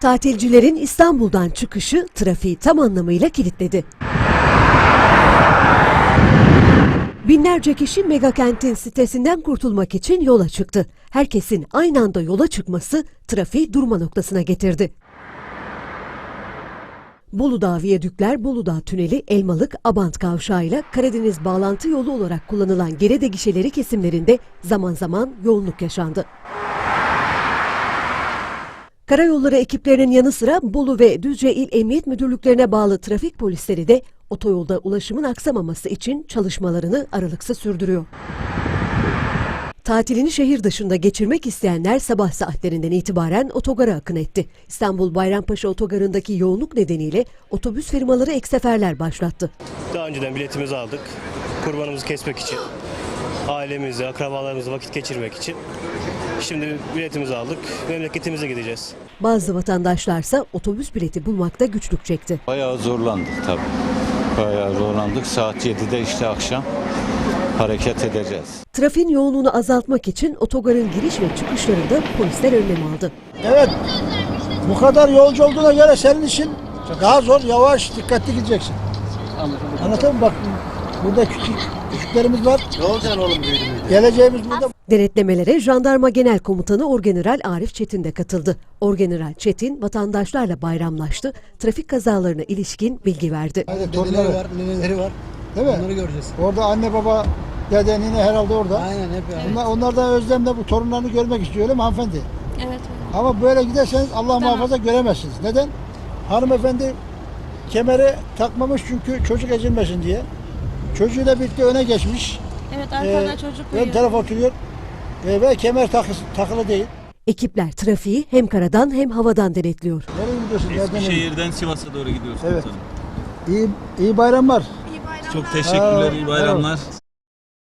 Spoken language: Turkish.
Tatilcilerin İstanbul'dan çıkışı trafiği tam anlamıyla kilitledi. Binlerce kişi megakentin sitesinden kurtulmak için yola çıktı. Herkesin aynı anda yola çıkması trafiği durma noktasına getirdi. Buludağ Viyadükler, Buludağ Tüneli, Elmalık, Abant Kavşağı ile Karadeniz bağlantı yolu olarak kullanılan Gerede gişeleri kesimlerinde zaman zaman yoğunluk yaşandı. Karayolları ekiplerinin yanı sıra Bolu ve Düzce İl Emniyet Müdürlüklerine bağlı trafik polisleri de otoyolda ulaşımın aksamaması için çalışmalarını aralıksız sürdürüyor. Tatilini şehir dışında geçirmek isteyenler sabah saatlerinden itibaren otogara akın etti. İstanbul Bayrampaşa Otogarı'ndaki yoğunluk nedeniyle otobüs firmaları ek seferler başlattı. Daha önceden biletimizi aldık. Kurbanımızı kesmek için, ailemizle, akrabalarımızla vakit geçirmek için. Şimdi biletimizi aldık, memleketimize gideceğiz. Bazı vatandaşlarsa otobüs bileti bulmakta güçlük çekti. Bayağı zorlandık tabii. Bayağı zorlandık. Saat 7'de işte akşam hareket edeceğiz. Trafiğin yoğunluğunu azaltmak için otogarın giriş ve çıkışlarında polisler önlem aldı. Evet, bu kadar yolcu olduğuna göre senin için daha zor, yavaş, dikkatli gideceksin. Anlatayım mı? Bak, burada küçüklerimiz var. Ne olacaksın oğlum büyüdü? Geleceğimiz burada. Denetlemelere Jandarma Genel Komutanı Orgeneral Arif Çetin de katıldı. Orgeneral Çetin vatandaşlarla bayramlaştı, trafik kazalarına ilişkin bilgi verdi. Dedeleri var, neneleri var. Değil mi? Onları göreceğiz. Orada anne baba, dede, nine herhalde orada. Aynen hep yani. Onlar da özlemle bu torunlarını görmek istiyor öyle mi hanımefendi? Evet. Ama böyle giderseniz Allah muhafaza göremezsiniz. Neden? Hanımefendi kemeri takmamış çünkü çocuk ezilmesin diye. Çocuğuyla birlikte öne geçmiş. Evet, arkada çocuk Ön uyuyor. taraf oturuyor ve kemer takılı değil. Ekipler trafiği hem karadan hem havadan denetliyor. Nereye gidiyorsun? Nereden Eskişehir'den Sivas'a doğru gidiyoruz Evet. komutanım. İyi bayramlar. Çok teşekkürler, iyi bayramlar.